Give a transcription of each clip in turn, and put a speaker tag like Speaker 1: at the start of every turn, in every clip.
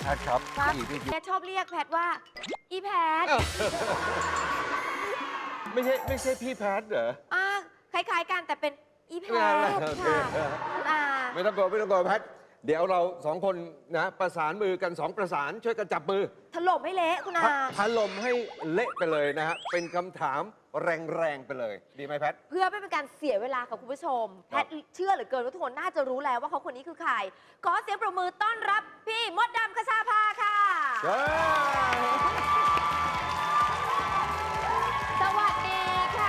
Speaker 1: ทครับ
Speaker 2: ครับ
Speaker 1: พี่
Speaker 2: แพทชอบเรียกแพทว่าอีแพท
Speaker 1: ไม่ใช่พี่แพทเหรอ
Speaker 2: คล้ายๆกันแต่เป็นอีแพ
Speaker 1: ไม่เป็นไร
Speaker 2: ท
Speaker 1: โอเค
Speaker 2: ค่ะคุณอา
Speaker 1: ไม่ต้องกลัวแพทเดี๋ยวเราสองคนนะประสานมือกันสองประสานช่วยกันจับมือ
Speaker 2: ถล่มให้เละคุณอา
Speaker 1: ถล่มให้เละไปเลยนะฮะเป็นคำถามแรงๆไปเลย ดีไหมแพท
Speaker 2: เพื่อไม่เป็นการเสียเวลากับคุณผู้ชม แพทเชื่อเหลือเกินว่าทุกคนน่าจะรู้แล้วว่าเขาคนนี้คือใคร ขอเสียงปรบมือต้อนรับพี่มดดำคชาภาค่ะ สวัสดีค่ะ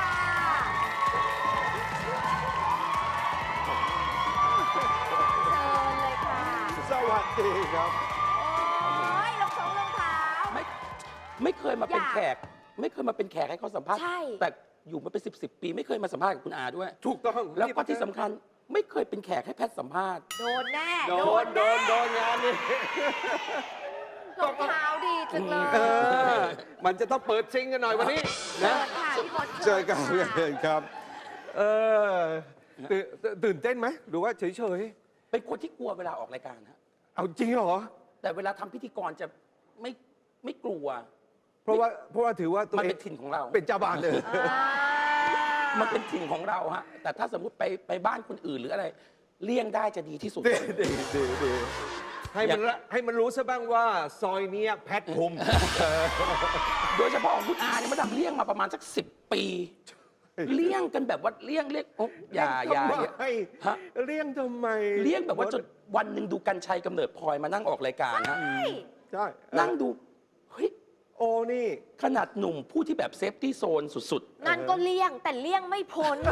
Speaker 2: เชิญเลยค่ะ
Speaker 1: สวัสดีครับ
Speaker 2: โอ้ยรองเท้า
Speaker 3: ไม่เคยมาเป็น
Speaker 2: อยาก
Speaker 3: แขก ไม่เคยมาเป็นแขกให้เขาสัมภาษณ์
Speaker 2: ใช่
Speaker 3: แต่อยู่มาเป็น10 ปีไม่เคยมาสัมภาษณ์กับคุณอาด้วย
Speaker 1: ถูกต้อง
Speaker 3: แล้วก็ที่สำคัญไม่เคยเป็นแขกให้แพทย์สัมภาษณ์
Speaker 2: โดนแน่
Speaker 1: โดนงานนี้
Speaker 2: รองเท้าดีจังเลย
Speaker 1: เออมันจะต้องเปิดซิงกันหน่อยวันนี้
Speaker 2: เชิ
Speaker 1: นะ
Speaker 2: ญค่ะพี่มด
Speaker 1: เจอกัน
Speaker 2: ค่ะ
Speaker 1: เชิญครับ เออตื่นเต้นไหมหรือว่าเฉย
Speaker 3: เป็นคนที่กลัวเวลาออกรายการฮะ
Speaker 1: ๆ เอาจริงเหรอ
Speaker 3: แต่เวลาทำพิธีกรจะไม่กลัว
Speaker 1: เพราะว่าถือว่าตัว
Speaker 3: มัน
Speaker 1: เอ
Speaker 3: เป็
Speaker 1: ง
Speaker 3: นถิ่นของเรา
Speaker 1: เป็นเจ้าบ้านเลย
Speaker 3: มันเป็นถิ่นของเราฮะ แต่ถ้าสมมติไปบ้านคนอื่นหรืออะไร เลี่ยงได้จะดีที่สุด
Speaker 1: ดีให้มันรู้ซะบ้างว่าซอยเนี้ยแพทคุม
Speaker 3: โดยเฉพาะของคุณอาเนี่ยมาดำเลี่ยงมาประมาณสัก10 ปี เลี่ยงกันแบบว่าเลี่ยงโอ๊ะอย่า
Speaker 1: ทำไม
Speaker 3: ฮะ
Speaker 1: เลี่ยงทำไม
Speaker 3: เลี่ยงแบบว่าจนวันหนึ่งดูกัญชัยกำเนิดพลอยมานั่งออกรายการฮะ
Speaker 1: ใช่
Speaker 3: นั่งดู เฮ้ย
Speaker 1: โอ้นี่
Speaker 3: ขนาดหนุ่มผู้ที่แบบเซฟตี้โซนสุด
Speaker 2: นั่นก็เลี่ยงแต่เลี่ยงไม่พ้น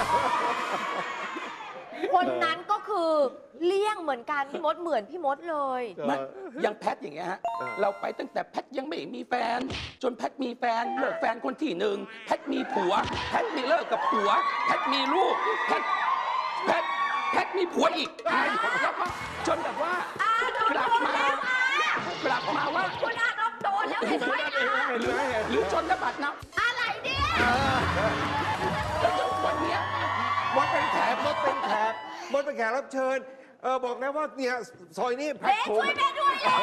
Speaker 2: คนนั้นก็คือเลี่ยงเหมือนกันพี่มดเหมือนพี่มดเลย
Speaker 3: ๆไม่อยังแพทอย่างเงี้ยฮะ เราไปตั้งแต่แพทยังไม่มีแฟน จนแพทมีแฟนเลิกแฟนคนที่หนึ่งแพทมีผัว แพทมีเลิกกับผัว แพทมีลูก แพทมีผัวอีกแล้วก็จนแบบว่ากลับมาว่า
Speaker 2: คุณอาต้องโดนแล้วเห็นไหม
Speaker 1: เห็นไหม
Speaker 3: หรือจนระบาดน้
Speaker 2: อะไรเนี่ย
Speaker 3: ำแล้วจนวันเนี้ย
Speaker 1: มดเป็นแขกรับเชิญ บอกนะว่าเนี่ยซอยนี้แพ
Speaker 2: เบ
Speaker 1: ท
Speaker 2: ส
Speaker 1: คุ
Speaker 2: ช่
Speaker 1: ม
Speaker 2: วยแม่ด้วยเลย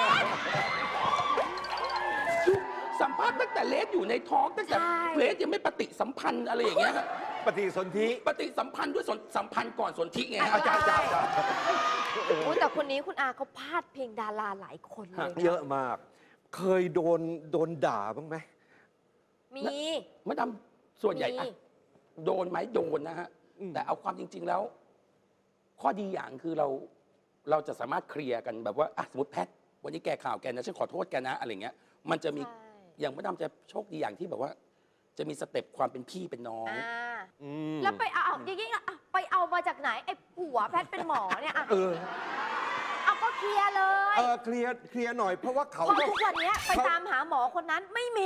Speaker 3: สัมภาษณ์ตั้งแต่เลสอยู่ในท้องตั้งแต่
Speaker 2: ใช่
Speaker 3: เลสยังไม่ปฏิสัมพันธ์อะไรอย่างเงี้ยฮะ
Speaker 1: ปฏิสนธิ
Speaker 3: ปฏิสัมพันธ์ด้วยสัมพันธ์ก่อนสนธิไงฮะ
Speaker 1: อาจารย์
Speaker 2: อุ๊ยแต่คนนี้คุณอาเขาพาดเพลงดาราหลายคนเลยนะ
Speaker 1: เยอะมาก เคยโดนด่าบ้างไหม
Speaker 2: มี
Speaker 3: มาดำส่วนใหญ่
Speaker 2: มี
Speaker 3: อะโดนไหมโดนนะฮะ แต่เอาความจริง ๆแล้ว ข้อดีอย่างคือเราจะสามารถเคลียร์กันแบบว่าอ่ะสมมติแพทวันนี้แกข่าวแกนะฉันขอโทษแกนะอะไรเงี้ยมันจะมี
Speaker 2: ใช่
Speaker 3: อย่างมาดำจะโชคดีอย่างที่แบบว่า จะมีสเต็ปความเป็นพี่เป็นน้อง
Speaker 2: แล้วไปเอาอย่างงี้อะไปเอามาจากไหนไอ้ผัวแพทเป็นหมอเนี่ยอะ
Speaker 1: เออ
Speaker 2: เอาก็เคลียร์เลย
Speaker 1: เคลียร์หน่อยเพราะว่าเขา
Speaker 2: เพราะทุกวันเนี้ยไปตามหาหมอคนนั้นไม่มี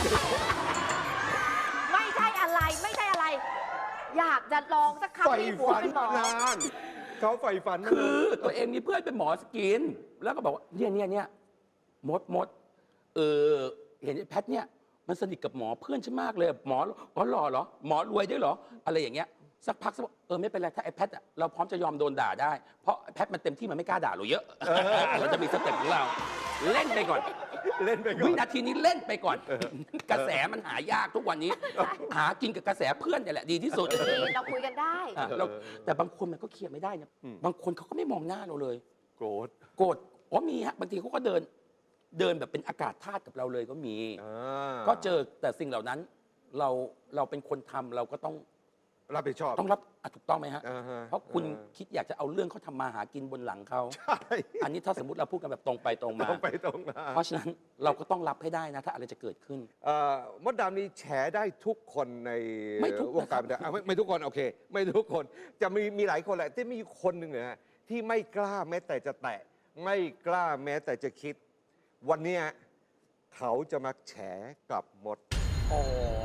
Speaker 2: ไม่ใช่อะไรไม่ใช่อะไร อยากจะลองสักครั้ง
Speaker 1: ใฝ่
Speaker 2: ที่ผัว
Speaker 1: ฝัน
Speaker 2: เป็นหมอ
Speaker 1: นานเขาใฝ่ฝัน
Speaker 3: คือตัวเองมีเพื่อนเป็นหมอสกิน แล้วก็บอกว่าเนี่ยมดเห็นไอ้แพทเนี่ยมันสนิทกับหมอเพื่อนฉันมากเลยหมออ๋อหล่อเหรอหมอรวยด้วยเหรออะไรอย่างเงี้ยสักพักสักไม่เป็นไรถ้าไอ้แพทอะเราพร้อมจะยอมโดนด่าได้ เพราะแพทมันเต็มที่มันไม่กล้าด่าเราเยอะเราจะมีสเต็ปของเรา เล่นไปก่อน
Speaker 1: เล่นไปก่อ
Speaker 3: วิ
Speaker 1: น
Speaker 3: นาทีนี้เล่นไปก่อน กระแสมันหายากทุกวันนี้ หากินกับกระแสเพื่อนเนี่ยแหละดีที่สุด
Speaker 2: นี่เราคุยกันได้
Speaker 3: อ่ะแต่บางคนมันก็เคลียร์ไม่ได้นะบางคนเขาก็ไม่มองหน้าเราเลย
Speaker 1: โกรธ
Speaker 3: โกรธอ๋อมีฮะบางทีเขาก็เดินแบบเป็นอากาศธาตุกับเราเลยก็มี ก็เจอแต่สิ่งเหล่านั้นเราเป็นคนทำเราก็ต้อง
Speaker 1: รับผิดชอบ
Speaker 3: รับถูกต้องไหมฮะ
Speaker 1: ฮ
Speaker 3: เพราะคุณคิดอยากจะเอาเรื่องเขาทำมาหากินบนหลังเขา
Speaker 1: ใช่
Speaker 3: อันนี้ถ้าสมมติเราพูดกันแบบตรงไปตรงมา
Speaker 1: ตรงไปตรงมา
Speaker 3: เพราะฉะนั้นเราก็ต้องรับให้ได้นะถ้าอะไรจะเกิดขึ้น
Speaker 1: มดดำนี่แฉได้ทุกคนใน
Speaker 3: ไม่ทุก
Speaker 1: วงการ
Speaker 3: นะครับ
Speaker 1: ไม่ทุกคนโอเค ไม่ทุกคนจะมีหลายคนแหละที่มีคนหนึ่งเนี่ยนะที่ไม่กล้าแม้แต่จะแตะ ไม่กล้าแม้แต่จะคิด วันเนี้ยเขาจะมาแฉกับมด
Speaker 3: อ๋อ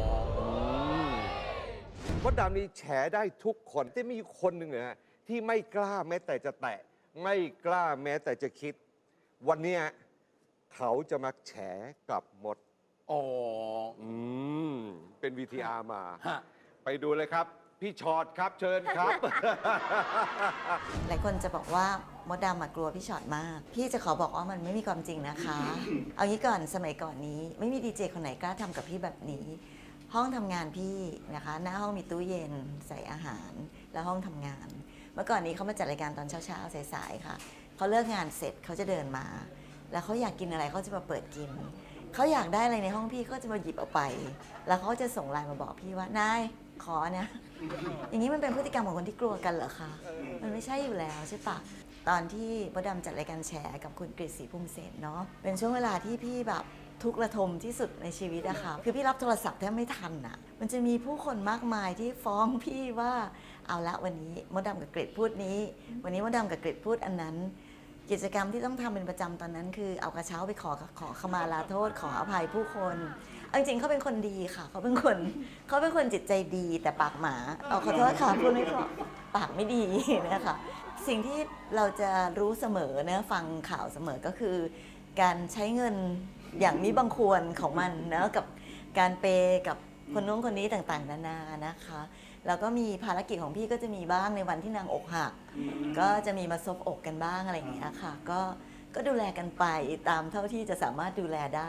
Speaker 1: มดดำนี่แฉได้ทุกคนที่มีคนหนึ่งเนี่ยนะที่ไม่กล้าแม้แต่จะแตะ ไม่กล้าแม้แต่จะคิด วันเนี้ยเขาจะมาแฉกับมด
Speaker 3: อ๋อ
Speaker 1: เป็น VTR มา
Speaker 3: ฮะ
Speaker 1: ไปดูเลยครับพี่ชอตครับเชิญครับ
Speaker 4: หลายคนจะบอกว่ามดดำกลัวพี่ชอตมาก พี่จะขอบอกว่ามันไม่มีความจริงนะคะ เอางี้ก่อนสมัยก่อนนี้ไม่มีดีเจคนไหนกล้าทำกับพี่แบบนี้ ห้องทำงานพี่นะคะ หน้าห้องมีตู้เย็นใส่อาหารแล้วห้องทำงาน เมื่อก่อนนี้เขามาจัดรายการตอนเช้าๆสายๆค่ะเขาเลิกงานเสร็จเขาจะเดินมา แล้วเขาอยากกินอะไรเขาจะมาเปิดกินเขาอยากได้อะไรในห้องพี่ก็จะมาหยิบเอาไป แล้วเขาจะส่งไลน์มาบอกพี่ว่านายขอเนี่ย อย่างนี้มันเป็นพฤติกรรมของคนที่กลัวกันเหรอคะ มันไม่ใช่อยู่แล้วใช่ปะตอนที่มดดำจัดรายการแฉกับคุณกฤษศรีภูมิเสนเนาะ เป็นช่วงเวลาที่พี่แบบทุกข์ระทมที่สุดในชีวิตอะค่ะ คือพี่รับโทรศัพท์แทบไม่ทันอะมันจะมีผู้คนมากมายที่ฟ้องพี่ว่าเอาละวันนี้มดดำกับกฤษพูดนี้ วันนี้มดดำกับกฤษพูดอันนั้น กิจกรรมที่ต้องทำเป็นประจำตอนนั้นคือเอากระเช้าไปขอขมาลาโทษ ขออภัยผู้คนเอาจริงๆเขาเป็นคนดีค่ะ เขาเป็นคนจิตใจดีแต่ปากหมาเอาขอโทษค่ะพูดไม่เพราะปากไม่ดีนะคะสิ่งที่เราจะรู้เสมอนะฟังข่าวเสมอก็คือ การใช้เงินอย่างมีบังควรของมันนะกับการเปย์กับคนนู้นคนนี้ต่างๆนานานะคะแล้วก็มีภารกิจของพี่ก็จะมีบ้างในวันที่นางอกหัก ก็จะมีมาซบอกกันบ้างอะไรอย่างเงี้ยค่ะก็ดูแลกันไปตามเท่าที่จะสามารถดูแลได้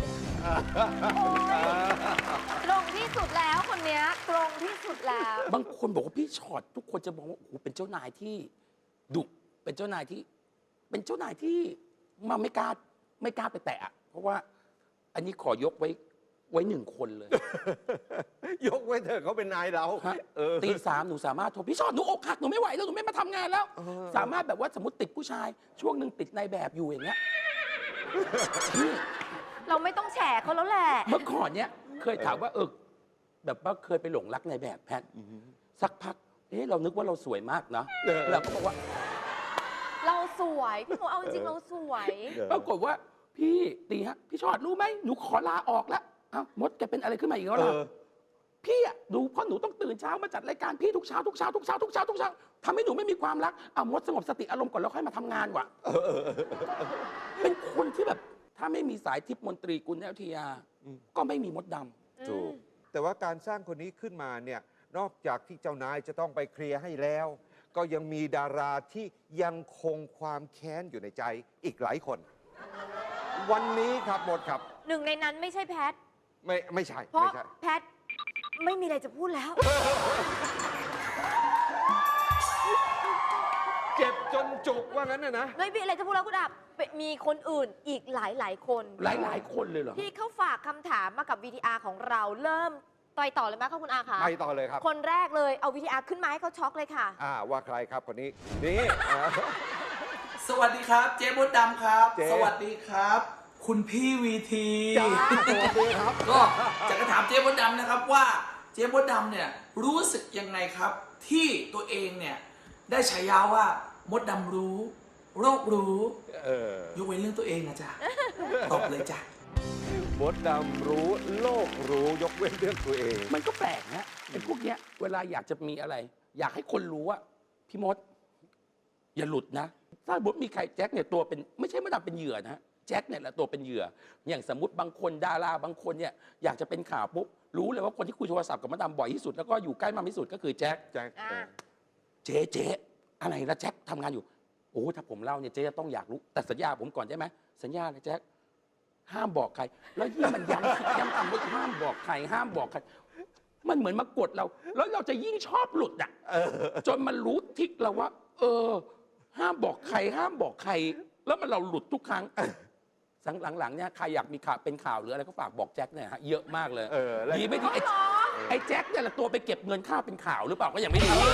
Speaker 2: ตรงที่สุดแล้วคนเนี้ยตรงที่สุดแล้ว
Speaker 3: บางคนบอกว่าพี่ชอตทุกคนจะบอกว่าโอ้โหเป็นเจ้านายที่ดุเป็นเจ้านายที่มาไม่กล้าไปแตะอะเพราะว่าอันนี้ขอยกไว้หนึ่งคนเลย
Speaker 1: ยกไว้เถอะเขาเป็นนายเรา
Speaker 3: ฮะ
Speaker 1: เออ
Speaker 3: ตี 3หนูสามารถโทรพี่ชอตหนูอกหักหนูไม่ไหวแล้วหนูไม่มาทำงานแล้ว
Speaker 1: เออ
Speaker 3: สามารถแบบว่าสมมติติดผู้ชาย ช่วงหนึ่งติดนายแบบอยู่อย่างเงี้ยพี่
Speaker 2: เราไม่ต้องแฉเขาแล้วแหละ
Speaker 3: เมื่อก่อนเนี้ยเคยถามว่าแบบว่าเคยไปหลงรักนายแบบแพทสักพักเรานึกว่าเราสวยมากเนาะเราก็บอกว่า
Speaker 2: เราสวยพี่โมเอาจริงๆเราสวย
Speaker 3: ปรากฏว่าพี่ตีฮะพี่ชอดรู้ไหมหนูขอลาออกแล้วอ้าวมดแกเป็นอะไรขึ้นมาอีกแล้วล่ะพี่อะดูเพราะหนูต้องตื่นเช้ามาจัดรายการพี่ทุกเช้าทำให้หนูไม่มีความรักมดสงบสติอารมณ์ก่อนแล้วค่อยมาทำงานว่ะเป็นคนที่แบบถ้าไม่มีสายทิพย์มนตรีกุลแอลทียาก็ไม่มีมดดำ
Speaker 1: ถูกแต่ว่าการสร้างคนนี้ขึ้นมาเนี่ยนอกจากที่เจ้านายจะต้องไปเคลียร์ให้แล้ว ก็ยังมีดาราที่ยังคงความแค้นอยู่ในใจอีกหลายคน วันนี้ครับหมดครับ
Speaker 2: หนึ่งในนั้นไม่ใช่แพท
Speaker 1: ไม่ใช่
Speaker 2: เพราะ
Speaker 1: ไม่ใช่
Speaker 2: แพทไม่มีอะไรจะพูดแล้ว
Speaker 1: เจ็บจนจุกว่างั้นนะ
Speaker 2: ไม่มีอะไรจะพูดแล้วคุณอามีคนอื่นอีกหลายคน
Speaker 3: หลายคนเลยเหรอ
Speaker 2: ที่เขาฝากคำถามมากับ VTR ของเราเริ่มต่อเลยไหมคะคุณอาคะ
Speaker 1: ไปต่อเลยครับ
Speaker 2: คนแรกเลยเอา VTR ขึ้นมาให้เขาช็อกเลยค่ะ
Speaker 1: ว่าใครครับคนนี้นี่
Speaker 5: สวัสดีครับ เจ๊มดดำครับ
Speaker 1: เจ๊
Speaker 5: สวัสดีครับ คุณพี่วีที
Speaker 1: จ้าสวัสดีครับ
Speaker 5: ก็จะกระถามเจ๊มดดำนะครับว่าเจ๊มดดำเนี่ยรู้สึกยังไงครับ ที่ตัวเองเนี่ยได้ฉายาว่ามดดำรู้ โรครู้ ยกเว้นเรื่องตัวเองนะจ๊ะ ตอบเลยจ้ะ
Speaker 1: มดดำรู้โลกรู้ยกเว้นเรื่องตัวเอง
Speaker 3: มันก็แปลกนะไอ้พวกเนี้ยเวลาอยากจะมีอะไร อยากให้คนรู้ว่าพี่มด อย่าหลุดนะ ถ้าสมมติมีใครแจ็คเนี่ยตัวเป็นไม่ใช่มดดำเป็นเหยื่อนะแจ็คเนี่ยแหละตัวเป็นเหยื่อ อย่างสมมติบางคนดาราบางคนเนี่ยอยากจะเป็นข่าวปุ๊บรู้เลยว่าคนที่คุยโทรศัพท์กับมดดำบ่อยที่สุดแล้วก็อยู่ใกล้มากที่สุดก็คือแจ็ค
Speaker 1: แจ็ค
Speaker 2: อ่า
Speaker 3: เจ๊อะไรละแจ็คทำงานอยู่โอ้ถ้าผมเล่าเนี่ยเจ๊จะต้องอยากรู้แต่สัญญาผมก่อนได้ไหมสัญญาเลยแจ็คห้ามบอกใคร แล้วยิ่งมันย้ำว่าห้ามบอกใครห้ามบอกใคร มันเหมือนมากดเรา แล้วเราจะยิ่งชอบหลุดอ่ะจนมันรู้ทิกเราว่า ห้ามบอกใคร ห้ามบอกใคร แล้วมันเราหลุดทุกครั้งหลังๆเนี่ยใครอยากมีข่าวเป็นข่าวหรืออะไรก็ฝากบอกแจ็คเนี่ยฮะเยอะมากเลยดีไม่ดีไอ้แจ็คเนี่ยแหละตัวไปเก็บเงินค่าเป็นข่าวหรือเปล่าก็ยังไม่รู้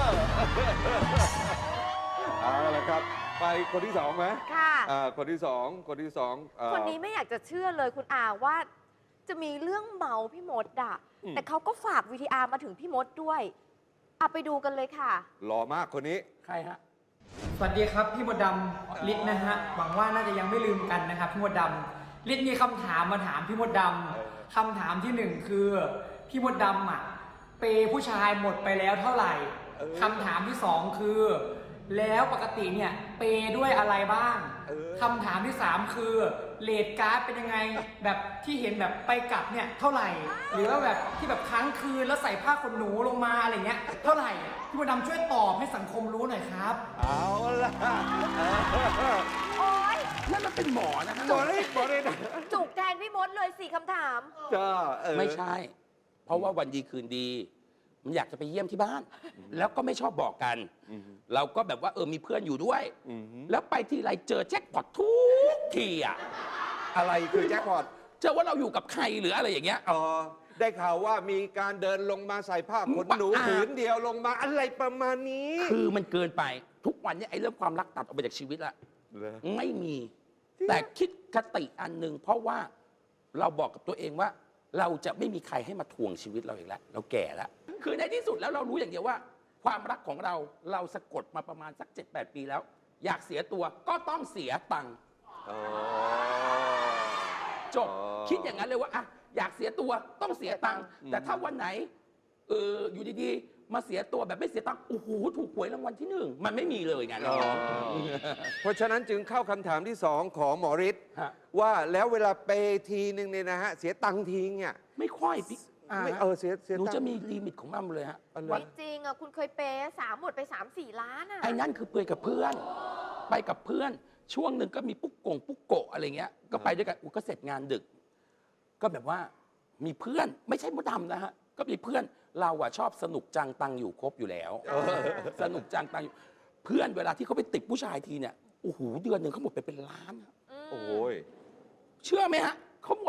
Speaker 1: เอาละครับ ไปคนที่สองไหม
Speaker 2: ค่ะ
Speaker 1: คนที่สองคน
Speaker 2: นี้ไม่อยากจะเชื่อเลยคุณอาว่าจะมีเรื่องเมาพี่มดอะแต่เขาก็ฝาก VTR มาถึงพี่มดด้วยไปดูกันเลยค่ะ
Speaker 1: หล่อมากคนนี้
Speaker 3: ใครฮะ
Speaker 6: สวัสดีครับพี่มดดำฤทธิ์นะฮะหวังว่าน่าจะยังไม่ลืมกันนะครับพี่มดดำฤทธิ์มีคำถามมาถามพี่มดดำคำถามที่หนึ่งคือพี่มดดำเปย์ผู้ชายหมดไปแล้วเท่าไหร่คำถามที่สองคือแล้วปกติเนี่ยเปย์ด้วยอะไรบ้าง
Speaker 1: เออ
Speaker 6: คำถามที่ 3 คือเรทการ์ดเป็นยังไง แบบที่เห็นแบบไปกลับเนี่ยเท่าไหร่ หรือว่าแบบที่แบบค้างคืนแล้วใส่ผ้าขนหนูลงมาอะไรเงี้ยเท่าไหร่พี่มดดำช่วยตอบให้สังคมรู้หน่อยครับ
Speaker 1: เอาละ
Speaker 2: โอ๊ย
Speaker 3: นั่นมันเป็นหมอนะฮะ
Speaker 1: บอกเลยนะ
Speaker 2: จุกแทนพี่มดเลย4คำถาม
Speaker 1: ก็
Speaker 3: ไม่ใช่ เพราะว่าวันดีคืนดี มันอยากจะไปเยี่ยมที่บ้าน แล้วก็ไม่ชอบบอกกัน เราก็แบบว่ามีเพื่อนอยู่ด้วย แล้วไปทีไรเจอแจ็คพอตทุกทีอ่ะ
Speaker 1: อะไรคือแจ็คพอต
Speaker 3: เจอว่าเราอยู่กับใครหรืออะไรอย่างเงี้ย
Speaker 1: อ๋อได้ข่าวว่ามีการเดินลงมาใส่ผ้าขนหนู
Speaker 3: บ้า
Speaker 1: ผืนเดียวลงมาอะไรประมาณนี้
Speaker 3: คือมันเกินไปทุกวันเนี้ไอ้เรื่องความรักตัดออกไปจากชีวิตละ
Speaker 1: เหรอ
Speaker 3: ไม่มี แต่คิดคติอันหนึ่งเพราะว่าเราบอกกับตัวเองว่า เราจะไม่มีใครให้มาทวงชีวิตเราอีกแล้ว เราแก่แล้ว คือในที่สุดแล้วเรารู้อย่างเดียวว่า ความรักของเราสะกดมาประมาณสัก 7-8 ปีแล้ว อยากเสียตัวก็ต้องเสียตังค์
Speaker 1: อ๋อ
Speaker 3: จบคิดอย่างนั้นเลยว่าอะอยากเสียตัวต้องเสียตังค์แต่ถ้าวันไหนอยู่ดีๆ มาเสียตัวแบบไม่เสียตังค์โอ้โหถูกหวยรางวัลที่ 1มันไม่มีเลยไงน้อง
Speaker 1: เพราะฉะนั้นจึงเข้าคำถามที่สองของหมอฤทธิ์
Speaker 3: ฮะ
Speaker 1: ว่าแล้วเวลาเปย์ทีนึงเนี่ยนะฮะเสียตังค์ทีเนี่ย
Speaker 3: ไม่ค่อยพี่
Speaker 1: ไม่เสีย
Speaker 3: หนู
Speaker 1: ตังค์
Speaker 3: จะมีลิมิตของมันเลยฮะ
Speaker 1: อะไร
Speaker 2: ไม่จริงอ่ะ คุณเคยเปย์หมดไป 3-4 ล้านอ่ะ
Speaker 3: ไอ้นั่นคือเปยกับเพื่อน ไปกับเพื่อน ช่วงหนึ่งก็มีปุ๊กโกะอะไรเงี้ย ก็ไปด้วยกันก็เสร็จงานดึก ก็แบบว่ามีเพื่อนไม่ใช่มดดำนะฮะ ก็มีเพื่อนเราอะชอบสนุกจังตังอยู่ครบอยู่แล้ว สนุกจังตังอยู่ เพื่อนเวลาที่เขาไปติดผู้ชายทีเนี่ย โอ้โห เดือนหนึ่งเขาหมดไปเป็นล้านอะ
Speaker 1: โอ้ย
Speaker 3: เชื่อไหมฮะเขาหมด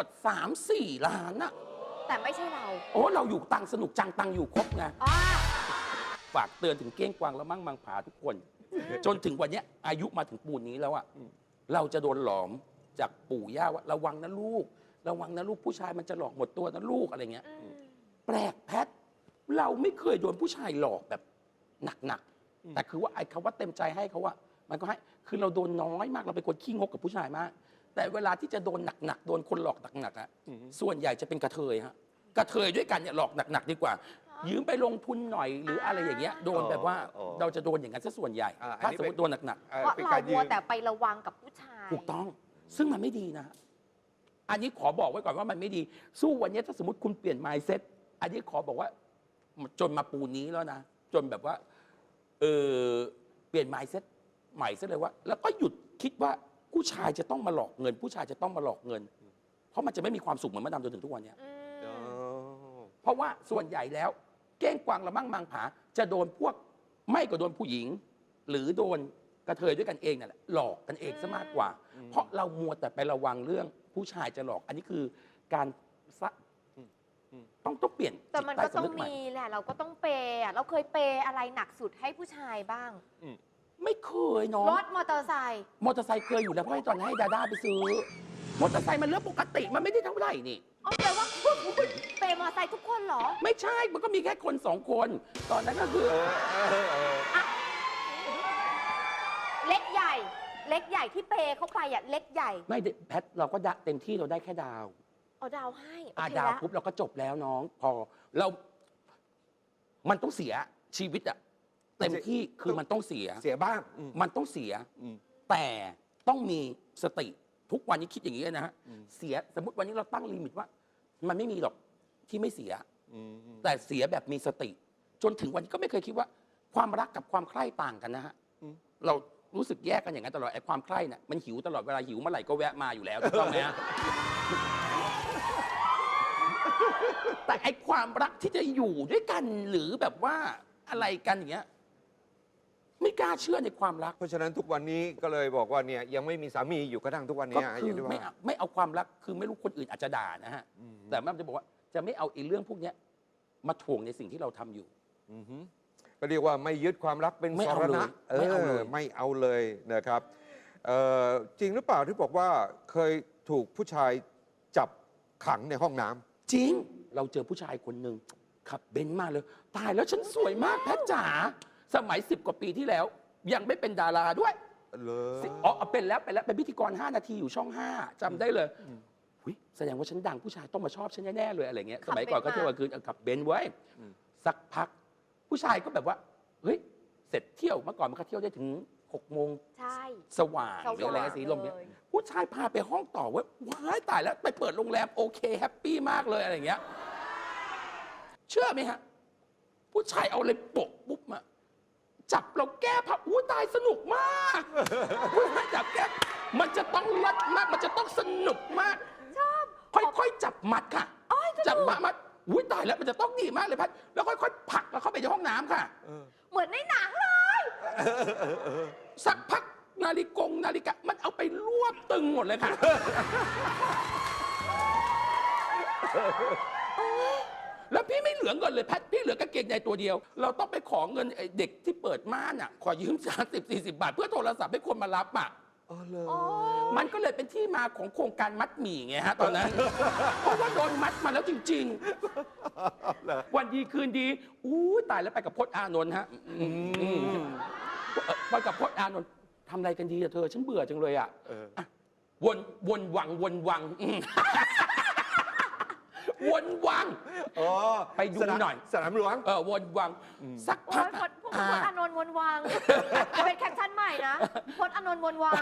Speaker 3: 3-4 ล้านอะ
Speaker 2: แต่ไม่ใช่เรา
Speaker 3: โอ้เราอยู่ตังสนุกจังตังอยู่ครบไง
Speaker 2: อ่า
Speaker 3: ฝากเตือนถึงเก้งกวางและมั่งมังผาทุกคน จนถึงวันเนี้ยอายุมาถึงปูนนี้แล้วอะเราจะโดนหลอมจากปู่ย่าว่าระวังนะลูก ระวังนะลูกผู้ชายมันจะหลอกหมดตัวนะลูกอะไรเงี้ย แปลกแพท เราไม่เคยโดนผู้ชายหลอกแบบหนักๆแต่คือว่าไอ้คำว่าเต็มใจให้เขาว่ามันก็ให้คือเราโดนน้อยมากเราเป็นคนขี้งกกับผู้ชายมาก แต่เวลาที่จะโดนหนักๆโดนคนหลอกหนักๆอะส่วนใหญ่จะเป็นกระเทยฮะกระเทยด้วยกันเนี่ยหลอกหนักๆดีกว่า ยืมไปลงทุนหน่อยหรืออะไรอย่างเงี้ยโดนแบบว่า
Speaker 1: อ๋อ
Speaker 3: เราจะโดนอย่างนั้นซะส่วนใหญ่
Speaker 1: อัน
Speaker 3: ถ้า
Speaker 1: นี้
Speaker 3: สมมติโดนหนัก
Speaker 2: เพราะ
Speaker 1: เป็น
Speaker 2: เรา
Speaker 1: การยื
Speaker 2: มัว
Speaker 1: ม
Speaker 2: แต่ไประวังกับผู้ชาย
Speaker 3: ๆถูกต้อง ซึ่งมันไม่ดีนะ อันนี้ขอบอกไว้ก่อนว่ามันไม่ดี สู้วันนี้ถ้าสมมติคุณเปลี่ยน mindset อันนี้ขอบอกว่าจนมาปูนี้แล้วนะ จนแบบว่าเปลี่ยน mindset ใหม่ซะเลยว่า แล้วก็หยุดคิดว่าผู้ชายจะต้องมาหลอกเงิน ผู้ชายจะต้องมาหลอกเงิน เพราะมันจะไม่มีความสุขเหมือนมาดำจนถึงทุกวันเนี้ย
Speaker 1: อ๋อ
Speaker 3: เพราะว่าส่วนใหญ่แล้วเก้งกวางละมั่งมังผาจะโดนพวกไม่ก็โดนผู้หญิง หรือโดนกระเทยด้วยกันเองนั่นแหละหลอกกันเองซะมากกว่า เพราะเรามัวแต่ไประวังเรื่องผู้ชายจะหลอก อันนี้คือการซะต้องเปลี่ยน
Speaker 2: แต่มัน
Speaker 3: จิต
Speaker 2: ก็
Speaker 3: ใต้
Speaker 2: ต้อง
Speaker 3: สำนึกใหม่
Speaker 2: มีแหละ เราก็ต้องเปย์อะเราเคยเปย์อะไรหนักสุดให้ผู้ชายบ้าง
Speaker 3: ไม่เคยเนาะ
Speaker 2: รถมอเตอร์ไซค์
Speaker 3: มอเตอร์ไซค์เคยอยู่แล้วเพราะให้ตอนให้ดาด้าไปซื้อมอเตอร์ไซค์มันเรื่องปกติมันไม่ได้เท่าไหร่นี่
Speaker 2: อ๋อแปลว่าเปย์มอเตอร์ไซค์ทุกคนเหรอ
Speaker 3: ไม่ใช่มันก็มีแค่คนสองคน ตอนนั้นก็คือ
Speaker 2: เล็กใหญ่ เล็กใหญ่ที่เปย์เข้าไปอ่ะ เล็กใหญ่
Speaker 3: ไม่ได้แพทเราก็เต็มที่เราได้แค่ดาว
Speaker 2: เอาดาวให้โอเค
Speaker 3: ดาว
Speaker 2: แล้ว
Speaker 3: ปุ๊บเราก็จบแล้วน้องพอเรามันต้องเสียชีวิตอะเต็มที่คือมันต้องเสีย
Speaker 1: เสียบ้างอืม
Speaker 3: มันต้องเสีย
Speaker 1: อืม
Speaker 3: แต่ต้องมีสติทุกวันนี้คิดอย่างนี้เลยนะฮะเสียสมมติวันนี้เราตั้งลิมิตว่า มันไม่มีหรอกที่ไม่เสีย
Speaker 1: อืม
Speaker 3: แต่เสียแบบมีสติ จนถึงวันนี้ก็ไม่เคยคิดว่า ความรักกับความใคร่ต่างกันนะฮะเรารู้สึกแยกกันอย่างนั้นตลอดไอ้ความใคร่เนี่ยมันหิวตลอดเวลาหิวเมื่อไหร่ก็แวะมาอยู่แล้วถูกต้องไหมฮะ แต่ไอ้ความรักที่จะอยู่ด้วยกันหรือแบบว่าอะไรกันอย่างเงี้ยไม่กล้าเชื่อในความรัก
Speaker 1: เพราะฉะนั้นทุกวันนี้ก็เลยบอกว่าเนี่ยยังไม่มีสามีอยู่กระทั่งทุกวัน
Speaker 3: ก็
Speaker 1: นี้
Speaker 3: คือ
Speaker 1: ที่
Speaker 3: ไม่เอาความรักคือไม่รู้คนอื่นอาจจะด่านะฮะแต่มันจะบอกว่าจะไม่เอาไอ้เรื่องพวกเนี้ยมาถ่วงในสิ่งที่เราทำอยู่
Speaker 1: อือฮึก็เรียกว่าไม่ยึดความรักเป็น
Speaker 3: ไม่
Speaker 1: ส
Speaker 3: เอา
Speaker 1: ร
Speaker 3: เลย
Speaker 1: ณะ
Speaker 3: ไม่เอาเลย
Speaker 1: ไม่เอาเลยนะครับจริงหรือเปล่าที่บอกว่าเคยถูกผู้ชายจับขังในห้องน้ำ
Speaker 3: จริงเราเจอผู้ชายคนหนึ่งขับเบนซ์มาเลย ตายแล้วฉันสวยมากแพทจ๋าสมัย10 กว่าปีที่แล้ว ยังไม่เป็นดาราด้วย
Speaker 1: เลย
Speaker 3: อ๋อเป็นแล้วเป็นพิธีกร 5 นาทีอยู่ช่อง 5จำได้เลยอุ๊ยแสดงว่าฉันดังผู้ชายต้องมาชอบฉันแน่ๆเลยอะไรเงี้ยสมัยก่อนก็เที่ยวกลางคืนขับเบนซ์ไว้สักพัก ผู้ชายก็แบบว่าเฮ้ยเสร็จเที่ยวเมื่อก่อนมันก็เที่ยวได้ถึง6 โมง
Speaker 2: ใช่
Speaker 3: สว่างหรืออะไรสีลมเนี่ย
Speaker 2: เลย
Speaker 3: ผู้ชายพาไปห้องต่อว่าว้ายตายแล้วไปเปิดโรงแรมโอเคแฮปปี้มากเลยอะไรอย่างเงี้ยเชื่อไหมฮะผู้ชายเอาอะไรโปะปุ๊บมาจับเราแก้ผ้าอู้ตายสนุกมากผู้ชายจับแก้มันจะต้องรัดมากมันจะต้องสนุกมาก
Speaker 2: ชอบ
Speaker 3: ค่อยๆจับมัดค่ะ
Speaker 2: อ้อยส
Speaker 3: จับ
Speaker 2: นุก
Speaker 3: มัดอุ้ยตายแล้วมันจะต้องดีมากเลยพัดแล้วค่อยๆผลักเราเข้าไปในห้องน้ำค่ะ
Speaker 2: เหมือนในหนังเลย
Speaker 3: สักพักนาฬิกามันเอาไปรวบตึงหมดเลยค่ะ แล้วพี่ไม่เหลือเงินเลยแพทพี่เหลือกางเกงในตัวเดียว เราต้องไปขอเงินไอ้เด็กที่เปิดม่านอ่ะขอยืม30-40 บาท เพื่อโทรศัพท์ให้คนมารับอ่ะ
Speaker 1: อ๋อเลย
Speaker 2: โอ้
Speaker 3: มันก็เลยเป็นที่มาของโครงการมัดหมี่ไงฮะตอนนั้น เพราะว่าโดนมัดมาแล้วจริง ๆ วันดีคืนดีอู้ตายแล้วไปกับพจน์อานนท์ฮะไปกับพจน์อานนท์ทำอะไรกันดีอะเธอ ฉันเบื่อจังเลยอะอ่ะวนวังวนวัง
Speaker 1: อ๋อ
Speaker 3: ไปดูหน่อย
Speaker 1: สนามหลวง
Speaker 3: วนวัง สัก
Speaker 2: โอ้
Speaker 3: พัก
Speaker 2: ยพจน์อานนท์วนวังจะเป็นแคปชั่นใหม่นะพจน์อานนท์วนวัง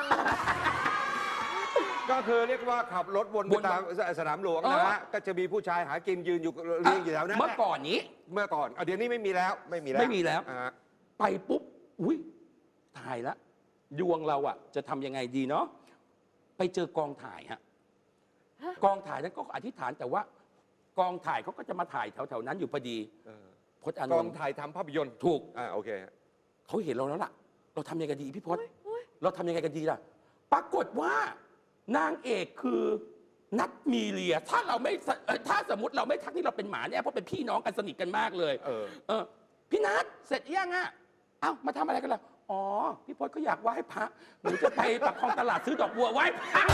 Speaker 1: ก็คือเรียกว่าขับรถวนไปตามสนามหลวงนะฮะ ก็จะมีผู้ชายหากินยืนอยู่เรียงอยู่แถวนั้น
Speaker 3: เมื่อก่อนนี้
Speaker 1: เมื่อก่อนเดี๋ยวนี้ไม่มีแล้ว ไม่มีแล้ว
Speaker 3: ไม่มีแล้ว
Speaker 1: อ่า
Speaker 3: ไปปุ๊บ อุ้ยตายละดวงเราอะจะทำยังไงดีเนาะ ไปเจอกองถ่ายฮะ กองถ่ายนั้นก็อธิษฐานแต่ว่ากองถ่ายเขาก็จะมาถ่ายแถวๆนั้นอยู่พอดี พจน์อาน
Speaker 1: กอง
Speaker 3: นท์
Speaker 1: ถ่ายทำภาพยนตร์
Speaker 3: ถูก
Speaker 1: โอเค
Speaker 3: เขาเห็นเราแล้วล่ะ เราทำยังไงกันดีพี่พจน์เราทำยังไงกันดีล่ะ ปรากฏว่านางเอกคือนัทมีเลีย ถ้าเราไม่ถ้าสมมติเราไม่ทักนี่เราเป็นหมาเนี่ยเพราะเป็นพี่น้องกันสนิทกันมากเลย พี่นัทเสร็จยังอ่ะ เอ้ามาทำอะไรกันล่ะ อ๋อ พี่พจน์ก็อยากไหว้พระหนูจะไปปากคลองตลาดซื้อดอกบัวไหว้พระ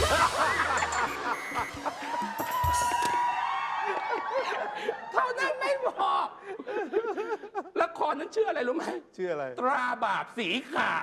Speaker 3: เท่านั้นไม่พอละครนั้นชื่ออะไรรู้ไหม
Speaker 1: ชื่ออะไร
Speaker 3: ตราบาปสีขาว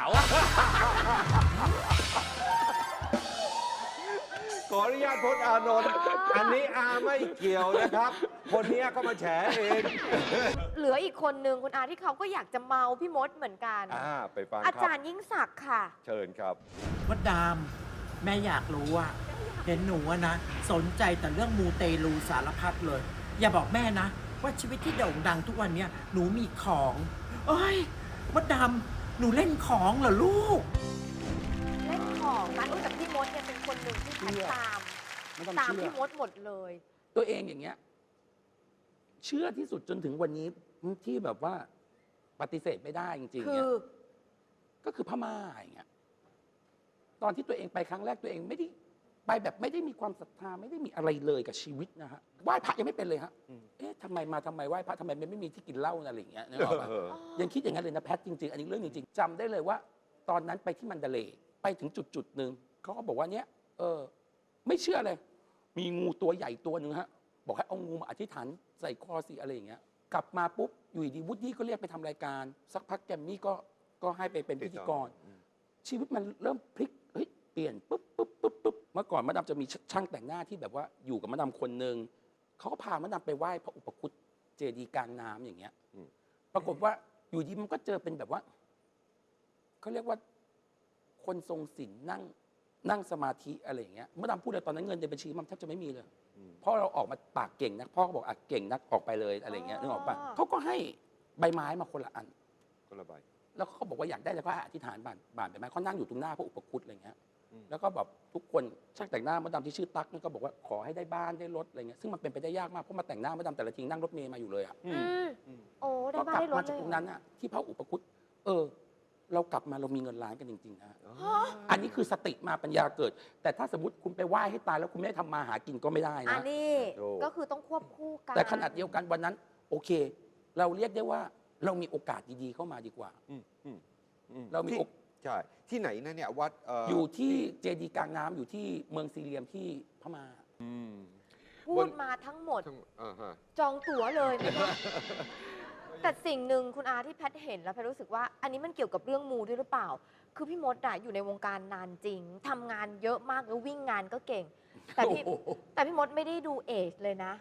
Speaker 1: ขออนุญาตพจน์อานนท์อันนี้อาไม่เกี่ยวนะครับ คนนี้เขามาแฉเอง
Speaker 2: เหลืออีกคนนึงคุณอาที่เขาก็อยากจะเมาพี่มดเหมือนกัน
Speaker 1: ไปฟัง
Speaker 2: อา
Speaker 1: ครั
Speaker 2: จา
Speaker 1: บ
Speaker 2: รย์ยิ่งศักดิ์ค่ะ
Speaker 1: เชิญครับ
Speaker 7: มดดามแม่อยากรู้อะเห็นหนูอะนะ สนใจแต่เรื่องมูเตลูสารพัดเลย อย่าบอกแม่นะ ว่าชีวิตที่โด่งดังทุกวันเนี้ยหนูมีของเอ้ยมดดามหนูเล่นของเหรอลูก
Speaker 2: เล่นของนั้นแต่พี่มดเนี่ยเป็นคนหนึ่งที่แพทย์ตาม
Speaker 3: ไม่ต้อง
Speaker 2: ตาม
Speaker 3: เชื่อ
Speaker 2: พี่มดหมดเลย
Speaker 3: ตัวเองอย่างเงี้ย เชื่อที่สุดจนถึงวันนี้ที่แบบว่าปฏิเสธไม่ได้จริงๆ
Speaker 2: คื
Speaker 3: เนี่ย
Speaker 2: อ
Speaker 3: ก็คือพม่าอย่างเงี้ย ตอนที่ตัวเองไปครั้งแรกตัวเองไม่ได้ไปแบบไม่ได้มีความศรัทธาไม่ได้มีอะไรเลยกับชีวิตนะฮะไหว้พระยังไม่เป็นเลยฮะเอ๊ะทำไมไหว้พระทำไมมันไม่มีที่กินเหล้าอะไรอย่างเงี้ยนึกออกปะ ยังคิดอย่างนั้นเลยนะแพทจริงๆ อันนี้เรื่องจริงๆจำได้เลยว่า ตอนนั้นไปที่มันเดเลย์ไปถึงจุดหนึ่งเขาก็บอกว่าเนี้ยไม่เชื่อเลย มีงูตัวใหญ่ตัวหนึ่งฮะบอกให้เอางูมาอธิษฐานใส่คอสิอะไรอย่างเงี้ยกลับมาปุ๊บอยู่ดีวูดดี้ก็เรียกไปทำรายการ สักพักแกมมี่ก็ให้ไปเป็นพิธีกร ชีวิตมันเริ่มพลิกเฮ้ยเปลี่ยนปุ๊บเมื่อก่อนมะดำจะมีช่างแต่งหน้าที่แบบว่าอยู่กับมะดำคนหนึ่งเขาก็พามะดำไปไหว้พระอุปคุตเจดีย์กลางน้ำอย่างเงี้ยปรากฏว่าอยู่ดีมันก็เจอเป็นแบบว่าเขาเรียกว่าคนทรงศีลนั่งสมาธิอะไรอย่างเงี้ยมะดำพูดเลยตอนนั้นเงินในบัญชีมันแทบจะไม่มีเลยเพราะเราออกมาปากเก่งนักพ่อก็บอกอ่ะเก่งนักออกไปเลยอะไรอย่างเงี้ยนึกออกปะเขาก็ให้ใบไม้มาคนละอัน
Speaker 1: คนละใบ
Speaker 3: แล้วเขาบอกว่าอยากได้แล้วก็อธิษฐานบานไปไหมเขานั่งอยู่ตรงหน้าพระอุปคุตอะไรเงี้ยแล้วก็แบบทุกคนช่างแต่งหน้ามดดำที่ชื่อตั๊กนี่ก็บอกว่าขอให้ได้บ้านได้รถอะไรเงี้ยซึ่งมันเป็นไปได้ยากมากเพราะมาแต่งหน้ามดดำแต่ละทีนั่งรถเมล์มาอยู่เลยอ่ะ
Speaker 2: โอ้ได้
Speaker 3: ก็
Speaker 2: บ้าก น
Speaker 3: ลับ
Speaker 2: ได้ร
Speaker 3: มา
Speaker 2: ถ
Speaker 3: จาก
Speaker 2: เลย
Speaker 3: ตรงนั้นอ่ะที่พระอุปคุตเรากลับมาเรามีเงินล้านกันจริงๆนะอันนี้คือสติมาปัญญาเกิด แต่ถ้าสมมติคุณไปไหว้ให้ตายแล้วคุณไม่ได้ทำมาหากินก็ไม่ได้
Speaker 2: อั
Speaker 3: นะ
Speaker 2: นนี้ก็คือต้องควบคู่กัน
Speaker 3: แต่ขนาดเดียวกันวันนั้น โอเค เราเรียกได้ว่าเรามีโอกาสดีๆเข้ามาดีกว่า เรามี
Speaker 1: ใช่ ที่ไหนนะเนี่ยวัด
Speaker 3: อยู่ที่เจดีย์กลางน้ำอยู่ที่เมืองซีเรียมที่พม่า
Speaker 2: พูดมาทั้งหมด
Speaker 1: ฮะ
Speaker 2: จองตั๋วเลยนะคะแต่สิ่งหนึ่งคุณอาที่แพทย์เห็นแล้วแพทย์รู้สึกว่า อันนี้มันเกี่ยวกับเรื่องมูด้วยหรือเปล่า คือพี่มดอะอยู่ในวงการนานจริงทำงานเยอะมากแล้ววิ่งงานก็เก่ง แต่พี่มดไม่ได้ดูเอจเลยนะ แ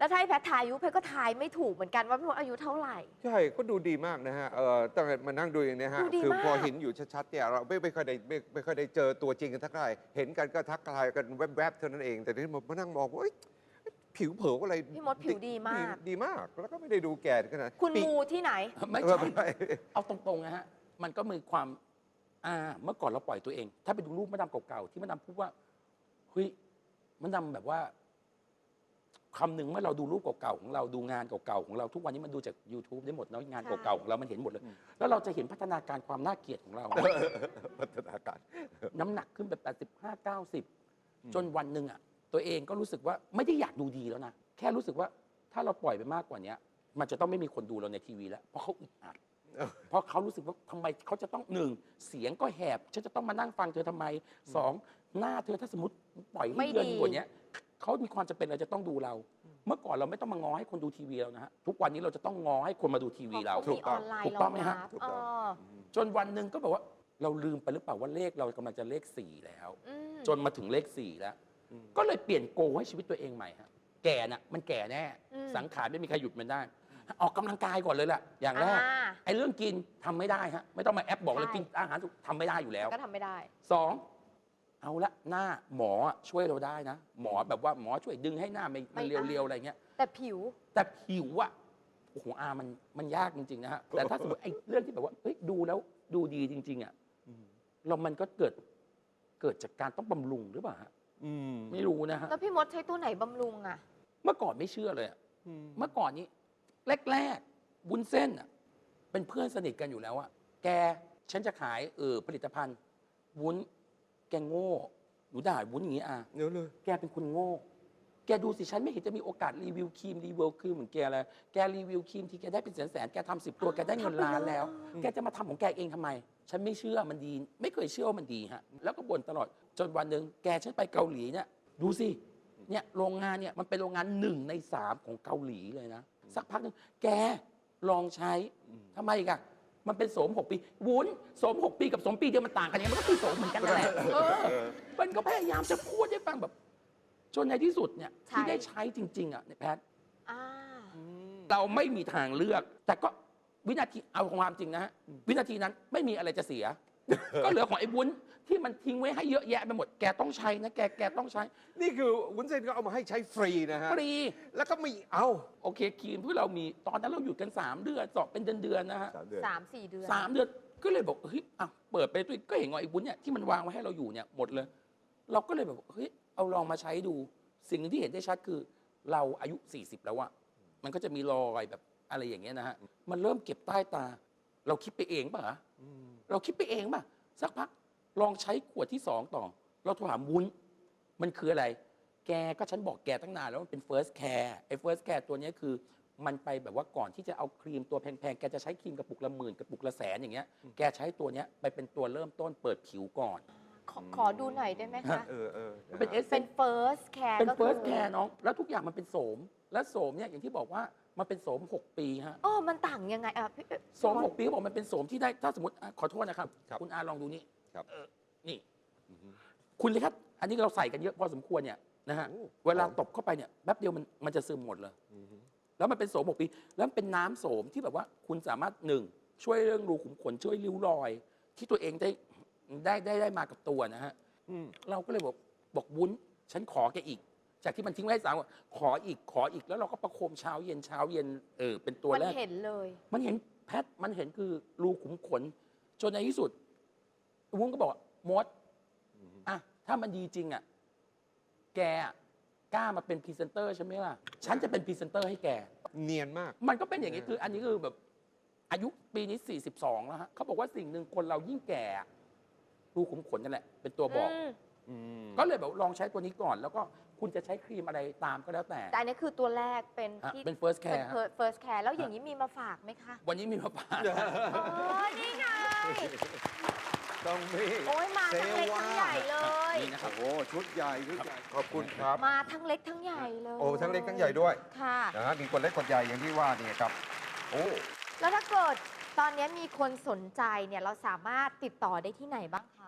Speaker 2: แล้วถ้าให้แพทย์ทายอายุแพทย์ก็ทายไม่ถูกเหมือนกันว่าพี่มดอายุเท่าไหร่
Speaker 1: ใช่ก็ดูดีมากนะฮะตั้งแต่มานั่งดูอย่างเนี้ยฮะ
Speaker 2: ดูดี
Speaker 1: คือ
Speaker 2: มาก
Speaker 1: พอเห็นอยู่ชัดๆเนี่ยเราไม่ค่อยได้ไม่ค่อยได้เจอตัวจริงกันทักทายเห็นกันก็ทักทายกันแวบๆเท่านั้นเอง แต่ที่มานั่งมองว่าเอ้ยผิวเผิวอะไร
Speaker 2: พี่มดผิวดีมาก
Speaker 1: ดีมาก แล้วก็ไม่ได้ดูแก่ขนาด
Speaker 2: คุณ
Speaker 1: ปี
Speaker 2: มูที่ไหน
Speaker 3: ไม่
Speaker 1: เออ
Speaker 3: ใช่
Speaker 1: ไม่
Speaker 3: เอาตรงๆนะฮะ มันก็มีความเมื่อก่อนเราปล่อยตัวเอง ถ้าไปดูรูปมะดำเก่าๆ ที่มะดำพูดว่า เฮ้ยมะดำแบบว่าคำหนึ่งเมื่อเราดูรูปเก่าๆของเราดูงานเก่าๆของเราทุกวันนี้มันดูจาก YouTube ได้หมดเนาะงาน
Speaker 2: ใช่
Speaker 3: เก่าๆของเรามันเห็นหมดเลย แล้วเราจะเห็นพัฒนาการความน่าเกลียดของเรา
Speaker 1: พัฒนาการ
Speaker 3: น้ำหนักขึ้นแบบ85 90 จนวันหนึ่งอ่ะ ตัวเองก็รู้สึกว่าไม่ได้อยากดูดีแล้วนะ แค่รู้สึกว่าถ้าเราปล่อยไปมากกว่านี้มันจะต้องไม่มีคนดูเราในทีวีแล้ว เพราะเขาอึดอัด เพราะเขารู้สึกว่าทำไมเขาจะต้องหนึ่งเสียงก็แหบฉันจะต้องมานั่งฟังเธอทำไมสองหน้าเธอถ้าสมมติปล่อยให้
Speaker 2: ไม่
Speaker 3: เดือน
Speaker 2: ดี
Speaker 3: กว่านี้เขามีความจำเป็นเราจะต้องดูเรา เมื่อก่อนเราไม่ต้องมาง้อให้คนดูทีวีเรานะฮะทุกวันนี้เราจะต้องง้อให้คนมาดูทีวีเรา
Speaker 2: เพะเขามีออนไลน์
Speaker 3: ถูกต้องไหมฮะ
Speaker 2: รองรับ
Speaker 1: ถูกต้อง
Speaker 3: จนวันหนึ่งก็แบบว่าเราลืมไปหรือเปล่าว่าเลขเรากำลังจะเลข4แล้ว
Speaker 2: อืม
Speaker 3: จนมาถึงเลข4แล้ว ก็เลยเปลี่ยนโกให้ชีวิตตัวเองใหม่ฮะแก่น่ะมันแก่แน่ สังขารไม่มีใครหยุดมันได้ ออกกำลังกายก่อนเลยล่ะ อย่างแรก ไอ้เรื่องกินทำไม่ได้ฮะไม่ต้องมาแอปบอกเลย
Speaker 2: ใช่
Speaker 3: กินอาหารสุกทำไม่ได้อยู่แล้ว
Speaker 2: ก็ทำไม่ได้
Speaker 3: สองเอาละหน้าหมอช่วยเราได้นะ หมอแบบว่าหมอช่วยดึงให้หน้ามันเรียวๆอะไรเงี้ย
Speaker 2: แต่ผิว
Speaker 3: แต่ผิวอะโอ้โหมันยากจริงๆนะฮะแต่ถ้าสมมติไอ้เรื่องที่แบบว่าเฮ้ยดูแล้วดูดีจริงๆอะมันก็เกิดจากการต้องบำรุงหรือเปล่าฮะไม่รู้นะฮะ
Speaker 2: แล้วพี่มดใช้ตัวไหนบำรุงอ่ะ
Speaker 3: เมื่อก่อนไม่เชื่อเลยอะเมื่อก่อนนี้แรกๆวุ้นเส้นอะเป็นเพื่อนสนิทกันอยู่แล้วอะแกฉันจะขายผลิตภัณฑ์วุ้นแกโง่หนูด่าวุ้นอย่างนี้อ่ะ
Speaker 1: เดี๋ยวเลย
Speaker 3: แกเป็นคนโง่ แกดูสิฉันไม่เห็นจะมีโอกาสรีวิวครีมเหมือนแกเลยแกรีวิวครีมที่แกได้เป็นแสนๆแกทำ10 ตัวแกได้เงินล้านแล้ว แกจะมาทำของแกเองทำไม ฉันไม่เชื่อมันดี ไม่เคยเชื่อว่ามันดีฮะแล้วก็บ่นตลอดจนวันหนึ่งแกฉันไปเกาหลีเนี่ยดูสิเนี่ยโรงงานเนี่ยมันเป็นโรงงาน1 ใน 3ของเกาหลีเลยนะสักพักหนึ่งแกลองใช้ทำไมอีกอะมันเป็นโสม6 ปีวุ้นโสม6 ปีกับโสมปีเดียวมันต่างกันยังไงมันก็คือโสมเหมือนกันนั่นแหละมันก็พยายามจะพูดให้ฟังแบบ จนในที่สุดเนี่ย
Speaker 2: ใช่
Speaker 3: ที่ได้ใช้จริงๆอ่ะในแพทย์
Speaker 2: อ่า
Speaker 3: เราไม่มีทางเลือก แต่ก็วินาทีเอาความจริงนะฮะวินาทีนั้นไม่มีอะไรจะเสีย ก็เหลือของไอ้วุ้นที่มันทิ้งไว้ให้เยอะแยะไปหมดแกต้องใช้นะแกต้องใช้
Speaker 1: นี่คือวุ้นเส้นก็เอามาให้ใช้ฟรีนะฮะ
Speaker 3: ฟรี
Speaker 1: แล้วก็ไม่เอา
Speaker 3: โอเคครีมที่เรามีตอนนั้นเราหยุดกัน3 เดือนสอบเป็นเดือนๆนะฮะ
Speaker 1: 3 เดือน
Speaker 2: 3-4 เดือน
Speaker 3: 3 เดือนก็เลยบอกเฮ้ยอ่ะเปิดไปตัวก็เห็นว่าไอ้วุ้นเนี่ยที่มันวางไว้ให้เราอยู่เนี่ยหมดเลย เราก็เลยแบบเฮ้ยเอาลองมาใช้ดู สิ่งหนึ่งที่เห็นได้ชัดคือเราอายุ40แล้วอะมันก็จะมีรอยแบบอะไรอย่างเงี้ยนะฮะมันเริ่มเก็บใต้ตา เราคิดไปเองป่ะเราคิดไปเองป่ะสักพักลองใช้ขวดที่2ต่อ เราโทรหาวุ้นมันคืออะไร แกก็ฉันบอกแกตั้งนานแล้วมันเป็น first care ไอ้ first care ตัวเนี้ยคือมันไปแบบว่าก่อนที่จะเอาครีมตัวแพงๆแกจะใช้ครีมกระปุกละ10,000กระปุกละ100,000อย่างเงี้ยแกใช้ตัวเนี้ยไปเป็นตัวเริ่มต้นเปิดผิวก่อน
Speaker 2: ขอดูหน่อยได้ไหมคะ
Speaker 3: เป็นเอส
Speaker 2: เป็น first care
Speaker 3: เป็น
Speaker 2: ก็คือ
Speaker 3: first care น้อง แล้วทุกอย่างมันเป็นโสม และโสมเนี่ยอย่างที่บอกว่ามันเป็นโสม 6 ปีฮะ
Speaker 2: มันต่างยังไงอ่ะพี่
Speaker 3: โสม 6 ปีเขาบอกมันเป็นโสมที่ได้ถ้าสมมติขอโทษนะครับ
Speaker 1: ครับ
Speaker 3: คุณอาลองดูนี่
Speaker 1: ครับ
Speaker 3: นี่ คุณเลยครับ อันนี้เราใส่กันเยอะพอสมควรเนี่ยนะฮะ
Speaker 1: โอ้
Speaker 3: เวลาตบเข้าไปเนี่ยแป๊บเดียวมันจะซึมหมดเลย แล้วมันเป็นโสม 6 ปี แล้วมันเป็นน้ำโสมที่แบบว่าคุณสามารถ1ช่วยเรื่องรูขุมขนช่วยริ้วรอย ที่ตัวเองได้มากับตัวนะฮะ เราก็เลยบอกวุ้นฉันขอแกอีก จากที่มันทิ้งไว้ให้3 วันขออีกแล้วเราก็ประโคมเช้าเย็นเป็นตัว
Speaker 2: มัน
Speaker 3: แรก
Speaker 2: เห็นเลย
Speaker 3: มันเห็นแพทมันเห็นคือรูขุมขน จนในที่สุดวุ้นก็บอกว่ามดอ่ะถ้ามันดีจริงอ่ะแกอะกล้ามาเป็นพรีเซนเตอร์ใช่ไหมล่ะฉันจะเป็นพรีเซนเตอร์ให้แก
Speaker 1: เนียนมาก
Speaker 3: มันก็เป็นอย่างนี้คือ อันนี้คือแบบอายุปีนี้42แล้วฮะเขาบอกว่าสิ่งหนึ่งคนเรายิ่งแก่รูขุมขนนั่นแหละเป็นตัวบอก ก็เลยแบบลองใช้ตัวนี้ก่อน แล้วก็คุณจะใช้ครีมอะไรตามก็แล้วแต่
Speaker 2: แต่อันนี้คือตัวแรกเป็น
Speaker 3: ฮะ
Speaker 2: ที่
Speaker 3: เป็น first
Speaker 2: เป็น
Speaker 3: care ฮะ
Speaker 2: first care แล้วอย่างนี้มีมาฝากไหมคะ
Speaker 3: วันนี้มีมาฝาก
Speaker 2: นี่ไง
Speaker 1: ต้องมี
Speaker 2: โอ้ยมาทั้งเล็กทั้งใหญ่เลย
Speaker 3: นี่นะครับ
Speaker 1: โอ้โหชุดใหญ่ขอบคุณครับ
Speaker 2: มาทั้งเล็กทั้งใหญ่เลย
Speaker 1: โอ้ทั้งเล็กทั้งใหญ่ด้วย
Speaker 2: ค่ะ
Speaker 1: นะฮะมีคนเล็กคนใหญ่อย่างที่ว่านี่ครับ โอ้
Speaker 2: แล้วถ้าเกิดตอนนี้มีคนสนใจเนี่ยเราสามารถติดต่อได้ที่ไหนบ้างคะ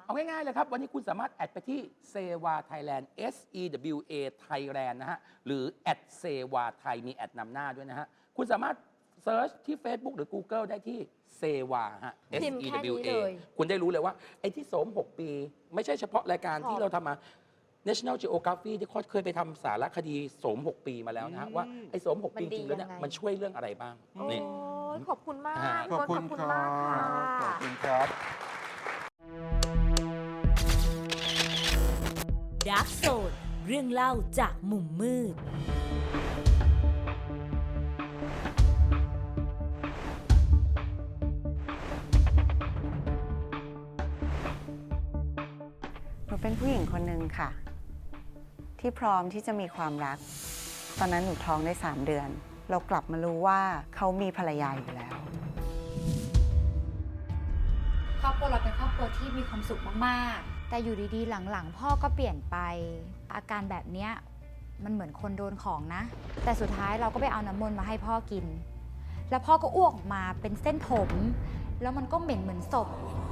Speaker 3: เอาง่ายๆเลยครับ วันนี้คุณสามารถแอดไปที่เซวาไทยแลนด์ SEWA Thailand นะฮะ หรือแอดเซวาไทยมีแอดนำหน้าด้วยนะฮะ คุณสามารถเซิร์ชที่ Facebook หรือ Google ได้ที่เซวาฮะ
Speaker 2: พิมพ์แค่นี้
Speaker 3: SEWA
Speaker 2: เลย
Speaker 3: คุณได้รู้เลยว่า ไอ้ที่โสม 6 ปี ไม่ใช่เฉพาะรายการที่เราทำมา National Geography ที่เขาเคยไปทำสารคดีโสม 6 ปีมาแล้วนะฮะ ว่าไอ้โสม 6 ปีจริงๆแล้วเนี่ยมันช่วยเรื่องอะไรบ้าง
Speaker 2: โอ้
Speaker 3: นี่
Speaker 2: ยขอบคุณมาก
Speaker 1: ขอบคุณ
Speaker 2: ขอบ
Speaker 1: ค
Speaker 2: คุณ
Speaker 1: รั
Speaker 2: มากค่ะ
Speaker 1: บขอบคุณครับ
Speaker 8: ดาร์กโซนเรื่องเล่าจากมุมมืด
Speaker 9: หนูเป็นผู้หญิงคนหนึ่งค่ะ ที่พร้อมที่จะมีความรัก ตอนนั้นหนูท้องได้ 3 เดือน เรากลับมารู้ว่าเขามีภรรยาอยู่แล้ว
Speaker 10: ครอบครัวเราเป็นครอบครัวที่มีความสุขมากๆ แต่อยู่ดีๆ หลังๆ พ่อก็เปลี่ยนไป อาการแบบเนี้ยมันเหมือนคนโดนของนะ แต่สุดท้ายเราก็ไปเอาน้ำมนต์มาให้พ่อกิน แล้วพ่อก็อ้วกออกมาเป็นเส้นผม แล้วมันก็เหม็นเหมือนศพ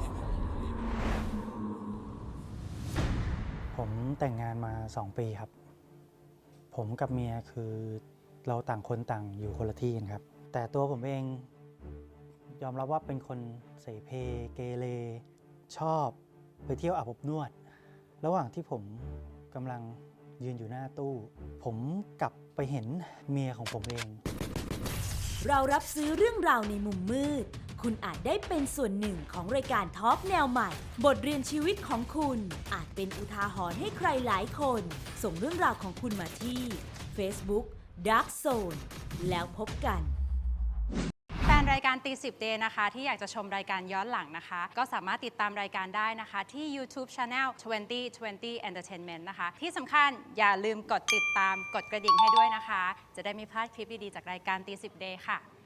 Speaker 11: ผมแต่งงานมา 2 ปีครับ ผมกับเมียคือเราต่างคนต่างอยู่คนละที่กันครับ แต่ตัวผมเองยอมรับว่าเป็นคนเสเพเกเรชอบไปเที่ยวอาบอบนวด ระหว่างที่ผมกำลังยืนอยู่หน้าตู้ ผมกลับไปเห็นเมียของผมเอง
Speaker 8: เรารับซื้อเรื่องราวในมุมมืด คุณอาจได้เป็นส่วนหนึ่งของรายการทอล์กแนวใหม่ บทเรียนชีวิตของคุณอาจเป็นอุทาหรณ์ให้ใครหลายคน ส่งเรื่องราวของคุณมาที่ Facebook Dark Zone แล้วพบกัน
Speaker 10: แฟนรายการตี10 Day นะคะ ที่อยากจะชมรายการย้อนหลังนะคะ ก็สามารถติดตามรายการได้นะคะ ที่ YouTube Channel 2020 Entertainment นะคะ ที่สำคัญอย่าลืมกดติดตามกดกระดิ่งให้ด้วยนะคะ จะได้ไม่พลาดคลิปดี ๆ จากรายการตี10 Day ค่ะ